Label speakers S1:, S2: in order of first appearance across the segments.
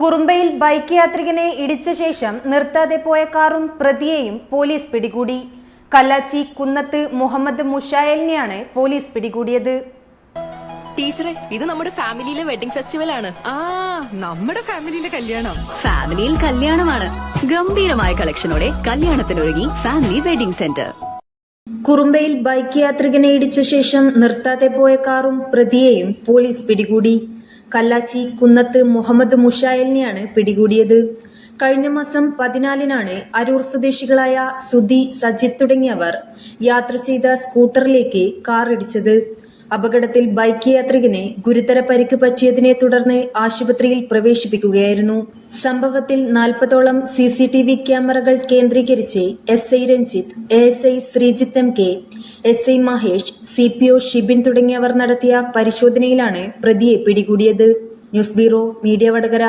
S1: കുറുമ്പയിൽ bike യാത്രികനെ ഇടിച്ച ശേഷം നിർത്താതെ പോയ കാറും പ്രതിയെയും പോലീസ് പിടികൂടി. കല്ലാച്ചി കുന്നത്ത് മുഹമ്മദ് മുഷായലിനെയാണ് പോലീസ് പിടികൂടിയത്.
S2: ടീച്ചറെ, ഇത് നമ്മുടെ ഫാമിലിയിലെ വെഡിങ് ഫെസ്റ്റിവൽ ആണ്.
S3: നമ്മുടെ ഫാമിലിയിലെ കല്യാണം.
S4: ഫാമിലിയിൽ കല്യാണമാണ്. ഗംഭീരമായ കളക്ഷനോടെ കല്യാണത്തിനൊരുങ്ങി ഫാമിലി വെഡിങ് സെന്റർ.
S1: കുറുമ്പയിൽ ബൈക്ക് യാത്രികനെ ഇടിച്ച ശേഷം നിർത്താതെ പോയ കാറും പ്രതിയെയും പോലീസ് പിടികൂടി. കല്ലാച്ചി കുന്നത്ത് മുഹമ്മദ് മുഷായലിനെയാണ് പിടികൂടിയത്. കഴിഞ്ഞ മാസം 14-നാണ് അരൂർ സ്വദേശികളായ സുധി, സജിത് തുടങ്ങിയവർ യാത്ര ചെയ്ത സ്കൂട്ടറിലേക്ക് കാർ ഇടിച്ചത്. അപകടത്തിൽ ബൈക്ക് യാത്രികന് ഗുരുതര പരിക്ക് പറ്റിയതിനെ തുടർന്ന് ആശുപത്രിയിൽ പ്രവേശിപ്പിക്കുകയായിരുന്നു. സംഭവത്തിൽ 40ഓളം CCTV ക്യാമറകൾ കേന്ദ്രീകരിച്ച് SI Ranjith, ASI Sreejith MK, SI Mahesh, CPO Shibin തുടങ്ങിയവർ നടത്തിയ പരിശോധനയിലാണ് പ്രതിയെ പിടികൂടിയത്. News bureau, media Vadakara.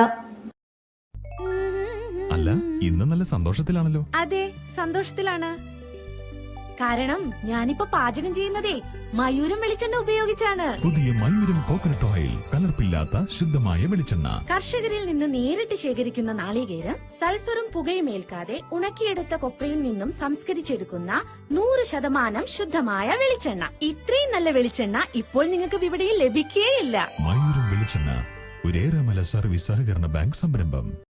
S5: അല്ല, ഇന്ന് നല്ല സന്തോഷത്തിലാണല്ലോ.
S3: അതെ, സന്തോഷത്തിലാണ്. കാരണം ഞാനിപ്പോ പാചകം ചെയ്യുന്നതേ മയൂരം വെളിച്ചെണ്ണ ഉപയോഗിച്ചാണ്.
S5: പുതിയ മയൂരം കോക്കനട്ട് ഓയിൽ, കലർപ്പില്ലാത്ത ശുദ്ധമായ വെളിച്ചെണ്ണ.
S3: കർഷകരിൽ നിന്ന് നേരിട്ട് ശേഖരിക്കുന്ന നാളികേരം സൾഫറും പുകയും ഏൽക്കാതെ ഉണക്കിയെടുത്ത കൊപ്രയിൽ നിന്നും സംസ്കരിച്ചെടുക്കുന്ന 100% ശുദ്ധമായ വെളിച്ചെണ്ണ. ഇത്രയും നല്ല വെളിച്ചെണ്ണ ഇപ്പോൾ നിങ്ങൾക്ക് വിപണിയിൽ ലഭിക്കുകയില്ല.
S5: മയൂരം വെളിച്ചെണ്ണ, ഒരു ഏറെമല സർവീസ് സഹകരണ ബാങ്ക് സംരംഭം.